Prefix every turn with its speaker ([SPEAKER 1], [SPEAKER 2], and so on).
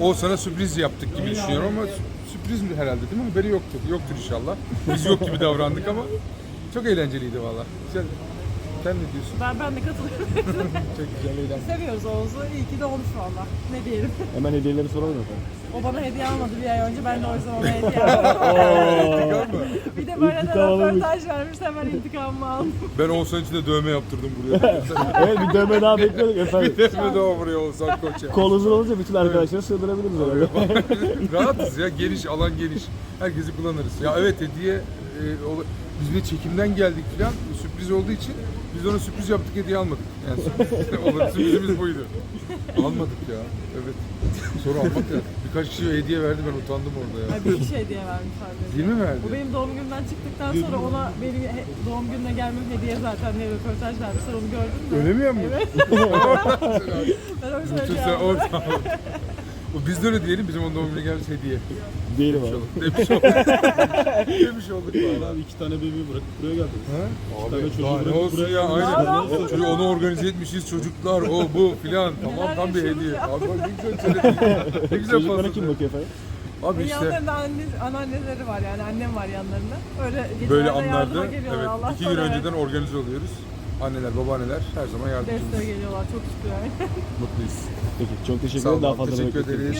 [SPEAKER 1] Oğuzhan'a sürpriz yaptık gibi düşünüyorum ama sürpriz mi herhalde değil mi? Haberi yoktur. Yoktur inşallah. Biz yok gibi davrandık ama çok eğlenceliydi valla. Sen ne diyorsun?
[SPEAKER 2] Ben de katılıyorum.
[SPEAKER 1] Çok güzel eğlendik.
[SPEAKER 2] Seviyoruz Oğuz'u. İyi ki doğmuş valla. Ne diyelim.
[SPEAKER 3] Hemen hediyeleri soralım efendim.
[SPEAKER 2] O bana hediye almadı bir ay önce. Ben de o yüzden ona hediye aldım. Bir de böyle de
[SPEAKER 3] İntikam alınmış.
[SPEAKER 2] röportaj vermiş. Hemen intikamımı aldım.
[SPEAKER 1] Ben Oğuzhan için de dövme yaptırdım buraya.
[SPEAKER 3] Evet, bir dövme daha bekliyorduk efendim.
[SPEAKER 1] Dövme daha buraya Oğuzhan Koç'a.
[SPEAKER 3] Kol uzun olunca bütün arkadaşları sığdırabiliriz herhalde.
[SPEAKER 1] Rahatız ya, geniş, alan geniş. Herkesi kullanırız. Ya evet hediye, biz bir çekimden geldik falan, sürpriz olduğu için biz ona sürpriz yaptık, hediye almadık. Yani sürprizimiz buydu. Almadık ya, evet. Sonra almak lazım. Birkaç kişi hediye verdi, ben utandım orada ya.
[SPEAKER 2] Ay, bir şey hediye vermiş sadece.
[SPEAKER 1] Değil mi verdi?
[SPEAKER 2] O benim doğum günümden çıktıktan sonra ona benim doğum gününe gelmem hediye zaten diye röportaj vermişler. Onu gördün mü?
[SPEAKER 1] Öyle mi yapmış?
[SPEAKER 2] Evet. Ben o yüzden
[SPEAKER 1] Bütün
[SPEAKER 2] hediye
[SPEAKER 1] sen
[SPEAKER 2] aldım.
[SPEAKER 1] Biz de öyle diyelim, bizim onun doğum gününe gelmiş hediye.
[SPEAKER 3] Değilim abi.
[SPEAKER 1] Demiş olduk. Demiş olduk valla.
[SPEAKER 4] Abi 2 tane bebeği bırakıp buraya geldiniz.
[SPEAKER 1] Ha?
[SPEAKER 4] tane
[SPEAKER 1] Abi
[SPEAKER 4] çocuğu
[SPEAKER 1] daha ne
[SPEAKER 4] bırakıp
[SPEAKER 1] olsun
[SPEAKER 4] buraya
[SPEAKER 1] ya
[SPEAKER 4] gelmiş.
[SPEAKER 1] aynen. Çocuğu onu organize etmişiz çocuklar o bu filan tamam
[SPEAKER 2] Neler
[SPEAKER 1] tam bir
[SPEAKER 2] yaşıyoruz
[SPEAKER 1] hediye.
[SPEAKER 2] ya.
[SPEAKER 1] Abi bak ne güzel söyledin. Ne güzel
[SPEAKER 3] Çocuklara
[SPEAKER 1] fazla.
[SPEAKER 3] kim bakıyor efendim?
[SPEAKER 1] Abi işte
[SPEAKER 2] Yanlarında anneanneleri var yani annem var yanlarında. Öyle
[SPEAKER 1] böyle
[SPEAKER 2] gecelerde yardıma
[SPEAKER 1] anlarda
[SPEAKER 2] geliyorlar.
[SPEAKER 1] evet
[SPEAKER 2] Allah'tan
[SPEAKER 1] 2 gün
[SPEAKER 2] evet.
[SPEAKER 1] önceden organize oluyoruz. Anneler babaanneler her zaman yardımcımız.
[SPEAKER 2] Desteğe geliyorlar çok şükür yani.
[SPEAKER 1] Mutluyuz.
[SPEAKER 3] Peki çok teşekkür
[SPEAKER 1] Sağ
[SPEAKER 3] ederim. Daha
[SPEAKER 1] olun
[SPEAKER 3] fazla
[SPEAKER 1] teşekkür
[SPEAKER 3] bekletmeyin.
[SPEAKER 1] ederiz.